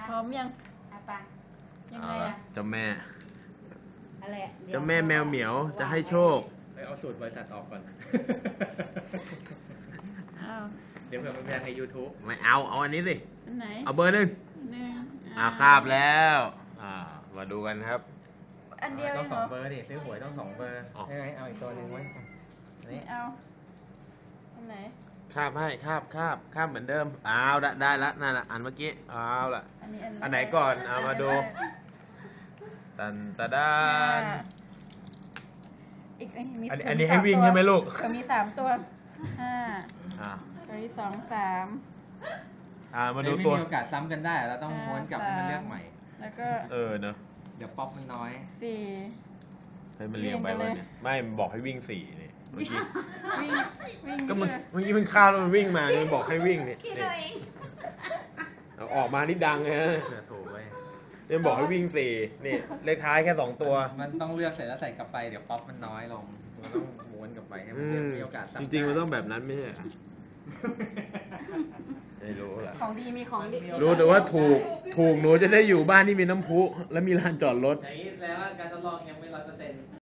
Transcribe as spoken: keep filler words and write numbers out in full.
พร้อมยังอ่ะปะยังไงอ่ะเจ้าแม่อะไรอ่ะเจ้าแม่แมวเหมียวจะให้โชคเอาสูตรบริษัทออกก่อนอ้าวเดี๋ยวเผื่อมันแพงใน YouTube ไม่เอาเอาอันนี้สิอันไหนเอาเบอร์หนึ่งหนึ่งอ่าคาบแล้วอ่ามาดูกันครับอันเดียวเอต้องงสเหรอองเบอร์ดิซื้อหวยต้องสองเบอร์ใช่ไหมเอาอีกตัวหนึ่งไว้กันไม่เอาอันไหนคาบให้คาบคาบคาบเหมือนเดิมเอาละได้ละนั่นละอันเมื่อกี้เอาละอันนี้อันอันไหนก่อนเอามาดูตันตะดานอีกอันนี้อันนี้ให้วิ่งใช่ไหมลูกมีสามตัวห้าอ่าตัวที่สองสามอ่ามาดูตัวไม่มีโอกาสซ้ำกันได้เราต้องม้วนกลับให้มันเลือกใหม่แล้วก็เออเนอะเดี๋ยวป๊อปมันน้อยสี่ให้มันเรียงไปวันนี้ไม่บอกให้วิ่งสี่นี่เมื่อกี้วิ่งวิ่งก็มันเมื่อกี้มันข้าวแล้วมันวิ่งมามันบอกให้วิ่งนี่เอาออกมานี่ดังเลยฮะถูกไว้เนี่ยบอกให้วิ่งสี่นี่เลขท้ายแค่สองตัวมันต้องเลือกเสร็จแล้วใส่กลับไปเดี๋ยวป๊อปมันน้อยลงมันต้องม้วนกลับไปให้มันมีโอกาสจริงๆมันต้องแบบนั้นไม่ใช่ไม่รู้ล่ะของดีมีของดีรู้แต่ว่าถูกถูกหนูจะได้อยู่บ้านที่มีน้ำพุและมีลานจอดรถอย่างนี้แล้วการทดลองยังไม่ร้อยเปอร์เซ็นต์